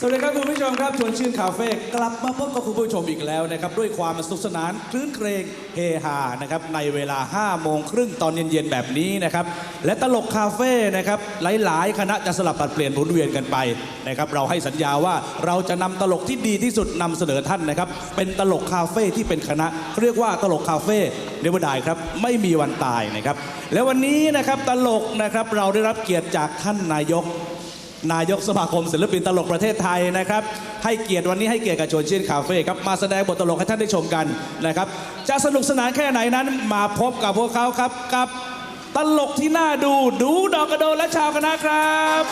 สวัสดีครับคุณผู้ชมครับชวนชื่นคาเฟ่กลับมาพบกับคุณผู้ชมอีกแล้วนะครับด้วยความสนุกสนานคลื้นเครงเฮฮานะครับในเวลา 5 โมงครึ่งตอนเย็นๆแบบนี้นะครับและตลกคาเฟ่นะครับหลายๆคณะจะสลับปัดเปลี่ยนหมุนเวียนกันไปนะครับเราให้สัญญาว่าเราจะนำตลกที่ดีที่สุดนำเสนอท่านนะครับเป็นตลกคาเฟ่ที่เป็นคณะเรียกว่าตลกคาเฟ่เนวดายครับไม่มีวันตายนะครับและวันนี้นะครับตลกนะครับเราได้รับเกียรติจากท่านนายกสมาคมศิลปินตลกประเทศไทยนะครับให้เกียรติวันนี้ให้เกียรติกับชวนชื่นคาเฟ่ครับมาแสดงบทตลกให้ท่านได้ชมกันนะครับจะสนุกสนานแค่ไหนนั้นมาพบกับพวกเขาครับกับตลกที่น่าดูดอกกระโดนและชาวคณะครับ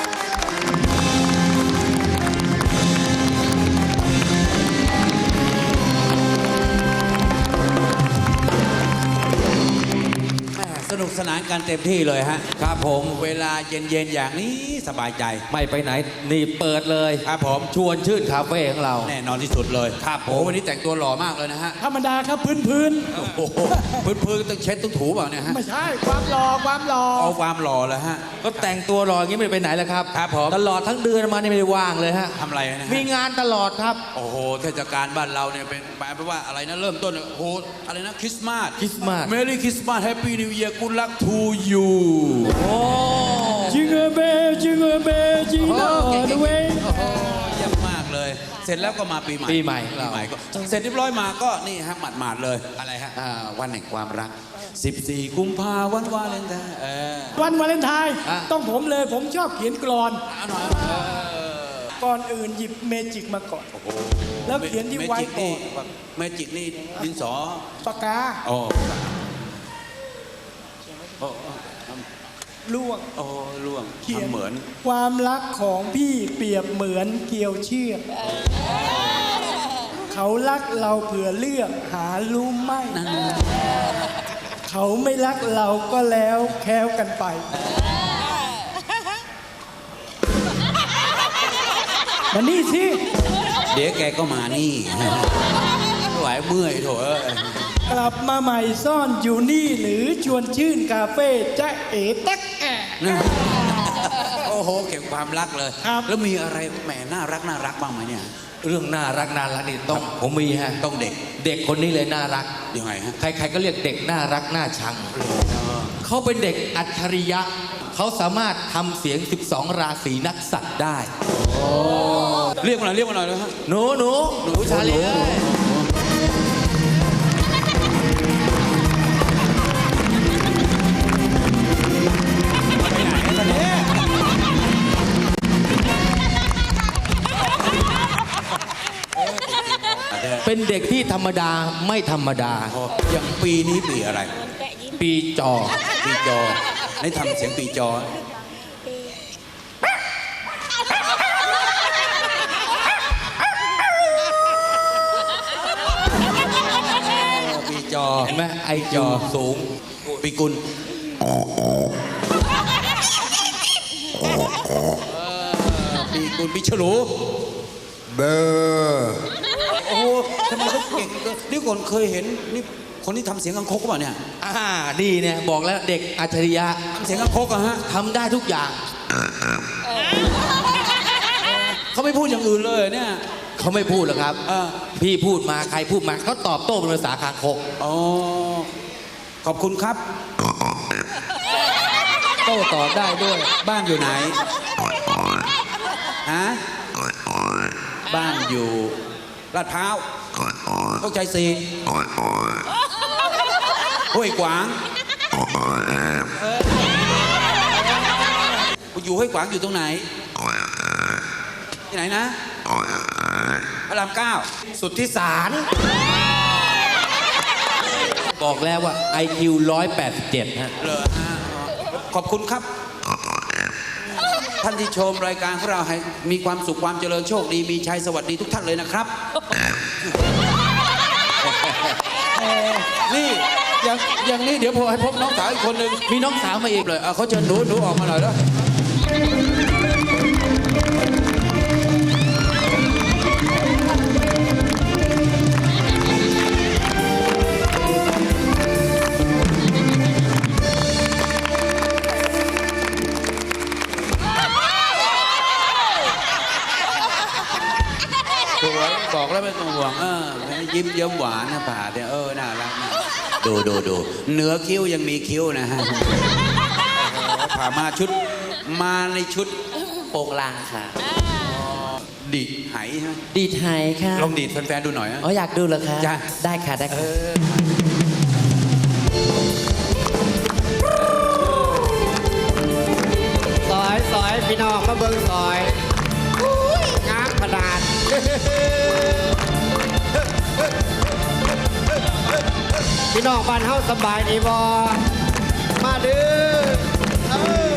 สนุกสนานกันเต็มที่เลยฮะครับผมเวลาเย็นๆอย่างนี้สบายใจไม่ไปไหนนี่เปิดเลยครับผมชวนชื่นคาเฟ่ของเราแน่นอนที่สุดเลยครับผมวันนี้แต่งตัวหล่อมากเลยนะฮะธรรมดาครับพื้นโอ้โหพื้นต้องเช็ดต้องถูเปล่าเนี่ยฮะไม่ใช่ความหล่อเอาความหล่อแล้วฮะก็แต่งตัวหล่ออย่างนี้ไม่ไปไหนแล้วครับครับผมตลอดทั้งเดือนมานี่ไม่ได้ว่างเลยฮะทำอะไรนะมีงานตลอดครับโอ้โหเทศกาลบ้านเราเนี่ยเป็นแปลว่าอะไรนะเริ่มต้นโอ้โหอะไรนะคริสต์มาสเมรี่คริสต์มาสแฮปปี้นิวเยียร์กูลักทูยูโอ้จิงเกอร์เบลจิงอร์เดเวย์เยี่ยมมากเลยเสร็จแล้วก็มาปีใหม่ก็เสร็จเรียบร้อยมาก็นี่ฮะหมาดเลยอะไรฮะวันแห่งความรัก14 กุมภาพันธ์วันวาเลนไทน์วันวาเลนไทน์ต้องผมเลยผมชอบเขียนกลอนก่อนอื่นหยิบเมจิกมาก่อนแล้วเขียนที่ไว้ก่อนเมจิกนี่ดินสอปากกาล่วงเขียนเหมือนความรักของพี่เปรียบเหมือนเกลียวเชือกเขารักเราเผื่อเลือกหารู้ไหมเขาไม่รักเราก็แล้วแค้วกันไปมานี่สิเดี๋ยวแกก็มานี่ไหวเมื่อยโถกลับมาใหม่ซ่อนอยู่นี่หรือชวนชื่นคาเฟ่จ๊ะเอ๋ตักแอะโอ้โหเก็บความรักเลยแล้วมีอะไรแหมน่ารักบ้างไหมเนี่ยเรื่องน่ารักนี่ต้องผมมีฮะต้องเด็กคนนี้เลยน่ารักยังไงฮะใครๆก็เรียกเด็กน่ารักน่าชังเขาเป็นเด็กอัจฉริยะเขาสามารถทำเสียง12ราศีนักสัตว์ได้เรียกมาหน่อยเลยฮะหนูชาลีเป็นเด็กที่ธรรมดาไม่ธรรมดาอย่างปีนี้ปีอะไรปีจอให้ทำเสียงปีจอเห็นไหมไอจอสูงปีกุลปีฉลูเบอร์โอ้โหทำไมเขาเก่งนี่คนเคยเห็นนี่คนที่ทำเสียงกังคกป่ะเนี่ยนี่เนี่ยบอกแล้วเด็กอัจฉริยะทำเสียงกังคกอะฮะทำได้ทุกอย่างเขาไม่พูดอย่างอื่นเลยเนี่ยเขาไม่พูดหรอกครับพี่พูดมาใครพูดมาเขาตอบโต้เป็นภาษาคางคกอ๋อขอบคุณครับโต้ตอบได้ด้วยบ้านอยู่ไหนฮะบ้านอยู่ลาดพร้าวโชคชัย4ห้วยขวางอยู่ห้วยขวางอยู่ตรงไหนที่ไหนนะพระราม 9สุทธิสารบอกแล้วว่า IQ 187ฮะขอบคุณครับท่านที่ชมรายการของเราให้มีความสุขความเจริญโชคดีมีชัยสวัสดีทุกท่านเลยนะครับนี่อย่างนี้เดี๋ยวพอให้พบน้องสาวอีกคนหนึ่งมีน้องสาวมาอีกเลยเขาเชิญหนูออกมาหน่อยแล้วแล้วไม่ต้องห่วงยิ้มเยิ้มหวานนะผ่าเนี่ยน่ารักนะดูเหนือคิ้วยังมีคิ้วนะฮะผ่ามาในชุดโปรงลางค่ะดีดไหใช่ไหมดีดไฮค่ะลองดีดแฟนๆดูหน่อยนะอ๋ออยากดูเหรอคะจ้ะได้ค่ะได้ค่ะซอยพี่น้องมาเบิ่งซอยงามขนาดพี่น้องบ้านเฮาสบายดีบ่มาเด้อ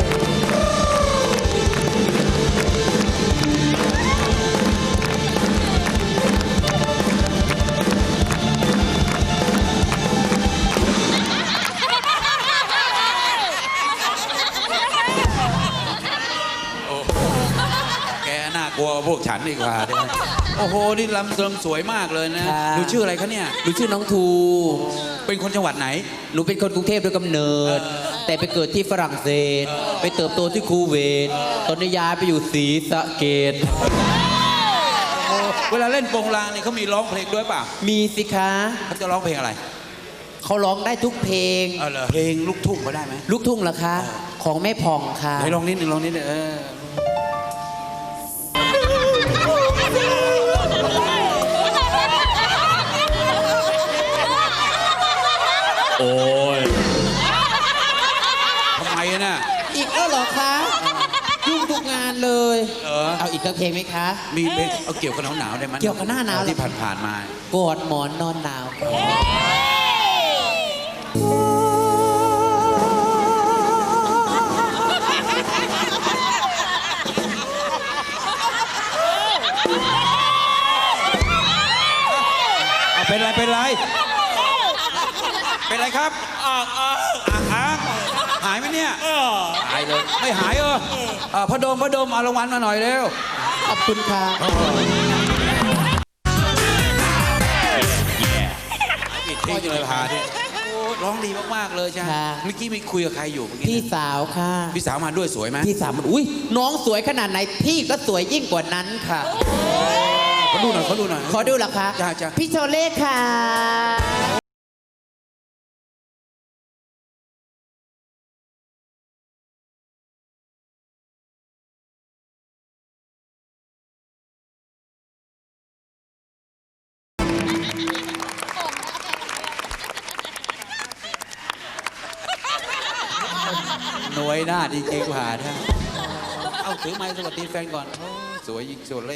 แกน่ากลัวพวกฉันดีกว่าเนี่ยโอ้โหนี่ลำเสริมสวยมากเลยนะค่ะหนูชื่ออะไรคะเนี่ยหนูชื่อน้องทูเป็นคนจังหวัดไหนหนูเป็นคนกรุงเทพโดยกำเนิด แต่ไปเกิดที่ฝรั่งเศส ไปเติบโตที่คูเวตตอนนี้ย้ายไปอยู่ศรีสะเกษเวลาเล่นโปงลางนี่เขามีร้องเพลงด้วยเปล่ามีสิคะเขาจะร้องเพลงอะไรเขาร้องได้ทุกเพลงเหรอเพลงลูกทุ่งเขาได้ไหมลูกทุ่งเหรอคะ ของแม่ผ่องค่ะไหนลองนิดนึงโอ้ยทำไมน่ะอีกแล้วเหรอคะยุ่งทุกงานเลย เอาอีกสักเพลงไหมคะมีเพลงเอาเกี่ยวกับหนาวๆได้ไหมเกี่ยวกับหน้าหนาวเหรอที่ผ่านๆมากอดหมอนนอนหนาวเป็นไรเป็นไรครับหายไหมเนี่ยหายเลยไม่หายพระโดมเอารางวัลมาหน่อยเร็วขอบคุณค่ะปิดเพลงเลยพาดิร้องดีมากๆเลยใช่ไหมค่ะเมื่อกี้มีคุยกับใครอยู่เมื่อกี้พี่สาวค่ะพี่สาวมาด้วยสวยไหมพี่สาวมันอุ้ยน้องสวยขนาดไหนพี่ก็สวยยิ่งกว่านั้นค่ะเขาดูหน่อยขอดูเหรอคะจ้าพี่โชเล่ค่ะหน่วยหน้าจริงๆผ่าท่าเอาถือไม้สวัสดีแฟนก่อนสวยยิงโซเล่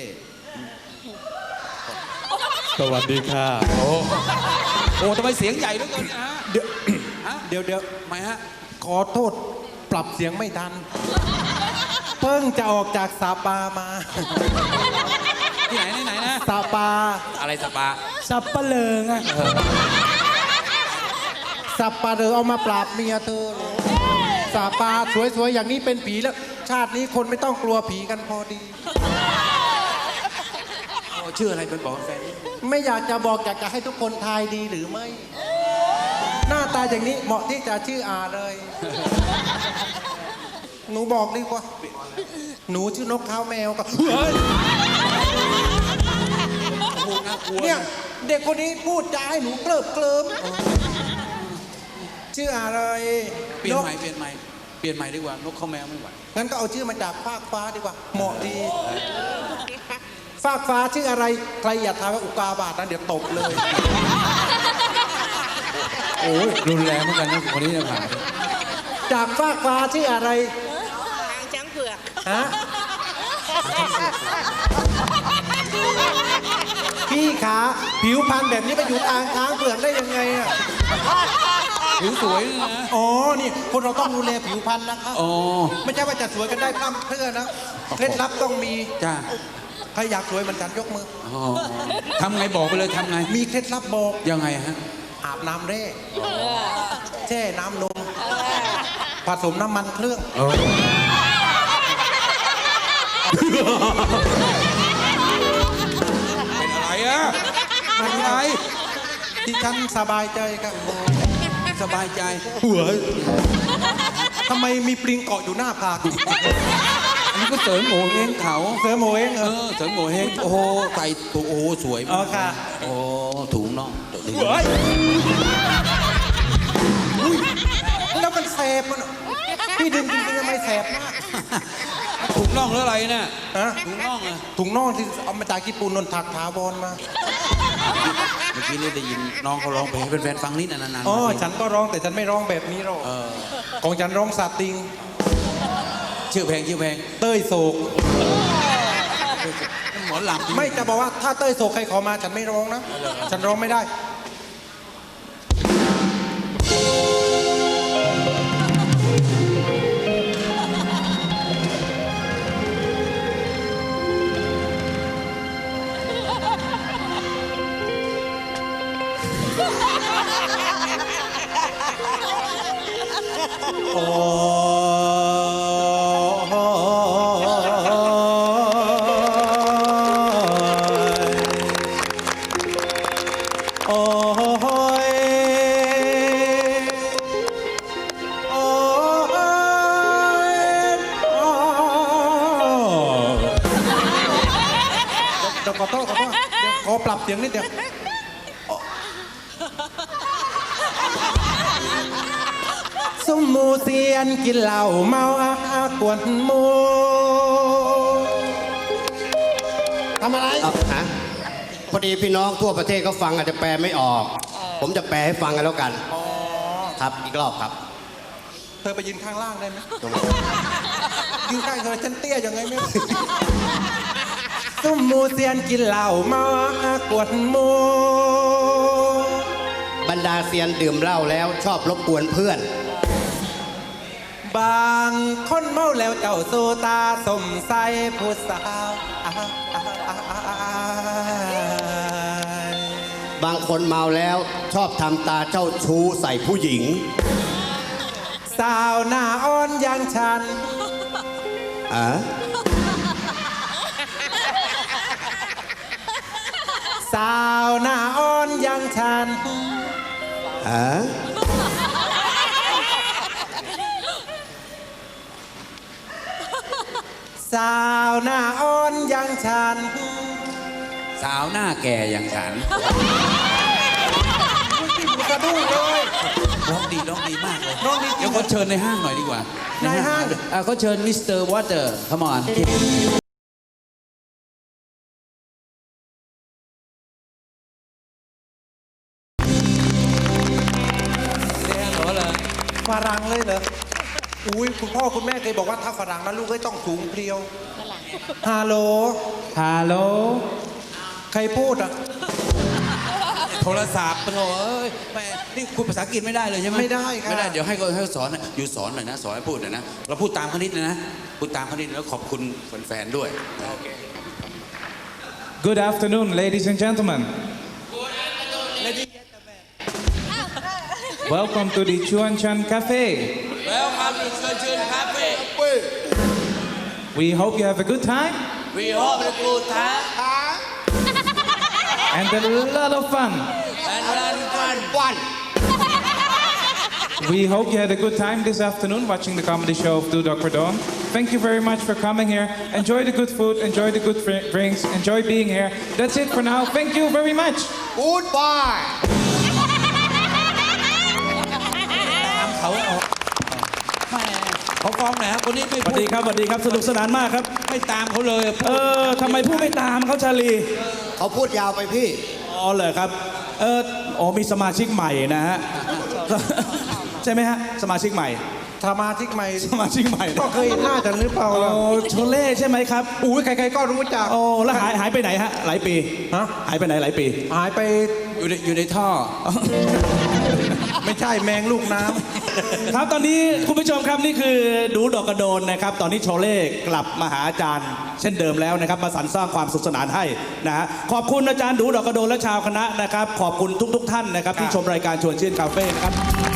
สวัสดีค่ะโอ้ทำไมเสียงใหญ่ด้วยกันนะเดี๋ยวฮะเดี๋ยวทำไมฮะขอโทษปรับเสียงไม่ทัน เพิ่งจะออกจากสาปามาที่ไหนนะสาปาอะไรสปาสับปะเลิงอะสับปะเลอเอามาปราบเมียเธอเหรอสาปาสวยๆอย่างนี้เป็นผีแล้ว ชาตินี้คนไม่ต้องกลัวผีกันพอดีชื่ออะไรเป็นบอกแฟนนี่ไม่อยากจะบอกอยากจะให้ทุกคนทายดีหรือไม่ หน้าตาอย่างนี้เหมาะที่จะชื่ออาเลย หนูบอกดีกว่า หนูชื่อนกเขาแมวก็เฮ้ยโอ้โหน่ากลัวเนี่ยเด็กคนนี้พูดจาให้หนูเคลิบเคลิ้มชื่ออะไรเปลี่ยนนกใหม่ดีกว่านกข้าวแมวไม่ไหวงั้นก็เอาชื่อมาจากฟากฟ้าดีกว่า เหมาะดี ฟากฟ้าชื่ออะไร ใครอย่าทายว่าอุกาบาตนะเดี๋ยวตบเลยโอ้รุนแรงเหมือนกันนะคนนี้เนี่ยผ่าจากฟากฟ้าชื่ออะไรทางช้างเผือกฮะ พี่ขาผิวพรรณแบบนี้ไปอยู่ทางช้างเผือกได้ยังไงอ่ะผิวสวยนะอ๋อ นี่คนเราต้องดูแลผิวพรรณนะคะอ๋อไม่ใช่ว่าจะสวยกันได้พร่ำเพรื่อนะ เคล็ดลับต้องมีจ้าใครอยากสวยเหมือนฉันยกมืออ๋อทำไงบอกไปเลยทำไงมีเคล็ดลับบอกยังไงฮะอาบน้ำแร่แช่น้ำนม ผสมน้ำมันเครื่องเป็นอะไรอะเป็นอะไรที่ฉันสบายใจครับสบายใจทำไมมีปลิงเกาะอยู่หน้าผากไนี่ก็เสริมโง่เฮงเขาเสือโมเองเออเสริมโง่เฮงโอ้โหใส่ถุงโอ้โหสวยอ๋มาอก ค่ะโอ้ถุงน่องเดี๋ยวนี้แล้วมันแสบมันพี่ดึงจริงๆทำไมแสบมากถุงน่องหรืออะไรเนี่ยฮะถุงน่องอะถุงน่องที่เอามาจากญี่ปุ่นนนถักถาวรมาเมื่อกี้นี่ได้ยินน้องเขาร้องเพลงให้เป็นแฟนฟังนิดนานๆอ๋อมาทีฉันก็ร้องแต่ฉันไม่ร้องแบบนี้หรอกของฉันร้องซาติงชื่อเพลงชื่อเพลงเต้ยโศกหมอลำไม่จะบอกว่าถ้าเต้ยโศกใครขอมาฉันไม่ร้องนะ ฉันร้องไม่ได้ โอ้โอ้ยโอ้ยเดี๋ยวขอโทษเดี๋ยวขอปรับเสียงนิดเดียว สมมูเซียนกินเหล้าเมาอากวนหมูทำอะไรฮะพอดีพี่น้องทั่วประเทศเขาฟังอาจจะแปลไม่ออก ผมจะแปลให้ฟังกันแล้วกันครับอีกรอบครับเธอไปยืนข้างล่างได้ไหมยืนข้างเธอฉันเตี้ยยังไงไม่รู้สมมูเซียนกินเหล้าเมาอากวนหมูบรรดาเซียนดื่มเหล้าแล้วชอบรบกวนเพื่อนบางคนเมาแล้วเจ้าโซตาสมใสผู้สาวบางคนเมาแล้วชอบทำตาเจ้าชู้ใส่ผู้หญิงสาวหน้าอ่อนอย่างฉันอ่ะสาวหน้าอ่อนอย่างฉันอ่ะสาวหน้าอ่อนอย่างฉันสาวหน้าแก่อย่างฉันกระดุ้งเลยร้องดีมากเลยร้องดีจริงเดี๋ยวเขาเชิญในห้างหน่อยดีกว่าในห้างเขาเชิญมิสเตอร์วอเตอร์ขมอนเหรอฝรั่งเลยเหรอ อุ้ยคุณพ่อคุณแม่เคยบอกว่าถ้าฝรั่งนะลูกก็ต้องสูงเพรียวฮัลโหลฮัลโหลใครพูดอ่ะโทรศัพท์โถ่เอ้ยแม่นี่คุณภาษาอังกฤษไม่ได้เลยใช่ไหมไม่ได้ค่ะไม่ได้เดี๋ยวให้เขาสอนอยู่สอนหน่อยนะสอนให้พูดหน่อยนะเราพูดตามเขานิดนะพูดตามเขานิดแล้วขอบคุณแฟนๆด้วย Good afternoon ladies and gentlemen Welcome to the Chuan Chan Cafe Welcome to Chun Cafe We hope you have a good time We hope you good time and a lot of fun and fun We hope you had a good time this afternoon watching the comedy show of Do Dr. Dawn. Thank you very much for coming here. Enjoy the good food, enjoy the good drinks, enjoy being here. That's it for now. Thank you very much. Goodbye ตามเขาออกแม่เขาฟ้องไหนครับคนนี้ไม่สวัสดีครับสวัสดีครับสนุกสนานมากครับไม่ตามเขาเลยทำไมพูดไม่ตามเขาชาลีเขาพูดยาวไปพี่อ๋อเหรอครับมีสมาชิกใหม่นะฮะ ใช่ไหมฮะสมาชิกใหม่สมาชิกใหม่สมาชิกใหม่ก็เคยเห็นหน้าฉันหรือเปล่าโอ้ล่ะโชเล่ใช่ไหมครับอุ้ยใครๆก็รู้จักโอ้แล้วหายไปไหนฮะหลายปีฮะหายไปไหนหลายปีหายไปอยู่ในท่อไม่ใช่แมงลูกน้ครับตอนนี้คุณผู้ชมครับนี่คือดูดอกกระโดนนะครับ ตอนนี้โชเล่กลับมาหาอาจารย์ เช่นเดิมแล้วนะครับมาสรรสร้างความสุขสนานให้นะฮะขอบคุณอาจารย์ดูดอกกระโดนและชาวคณะนะครับ ขอบคุณทุกท่านนะครับที่ชมรายการชวนชื่นคาเฟ่นะครับ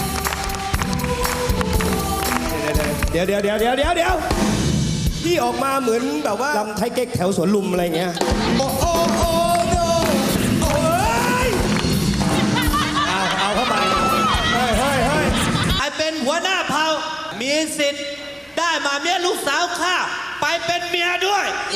เดี๋ยวพี่ออกมาเหมือนแบบว่าลำไทยเก๊กแถวสวนลุมอะไรเงี้ย โอ้โอ้โอ้โนโอ้ยเอาเข้าไปเฮ้ยไอเป็นหัวหน้าเผ่ามีสิทธิ์ได้มาเมียลูกสาวข้าไปเป็นเมียด้วย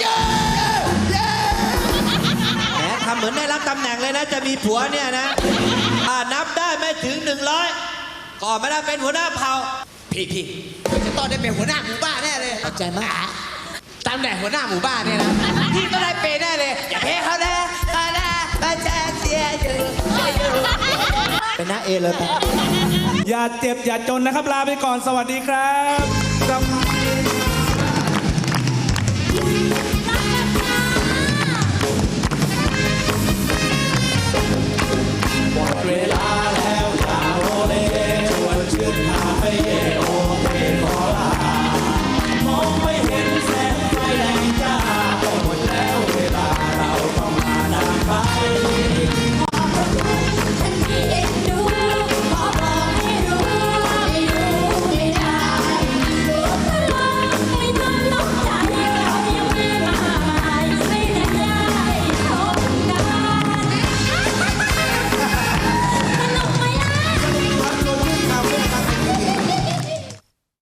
แหมทำเหมือนได้รับตำแหน่งเลยนะ จะมีผัวเนี่ยนะนับได้ไม่ถึง 100ก็ไม่ได้เป็นหัวหน้าเผ่าพี่จะต้องได้เป็นหัวหน้าหมู่บ้านแน่เลยเข้าใจไหมตำแหน่งหัวหน้าหมู่บ้านเนี่ยนะพี่ก็ได้เป็นแน่เลยอย่าเพ้เขาเลยมาแจ้งเสียอยู่เป็นน้าเอเลยไปอย่าเจ็บอย่าจนนะครับ ลาไปก่อนสวัสดีครับ